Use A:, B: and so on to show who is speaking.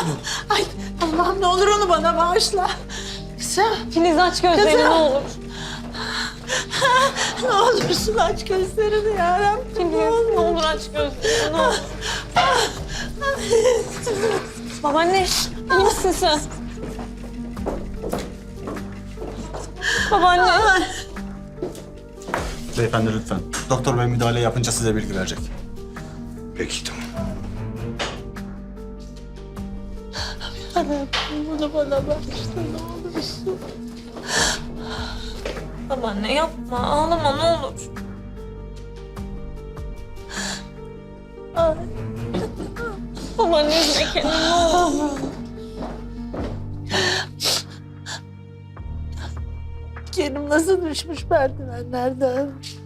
A: Ay Allah'ım ne olur onu bana bağışla. Kızım.
B: Filiz aç gözlerini
A: Kızım.
B: ne olur.
A: Ne olursun aç gözlerini yarabbim.
B: Filiz ne olur aç gözlerini ne olur. Babaanne iyi misin sen? Babaanne.
C: Beyefendi lütfen. Doktor bey müdahale yapınca size bilgi verecek.
D: Peki tamam.
A: Bunu bana bağışla ne olursun.
B: Babaanne yapma ağlama ne olur.
A: Ay.
B: Babaanne üzme kendini ne olur.
A: Kerim nasıl düşmüş merdivenlerden.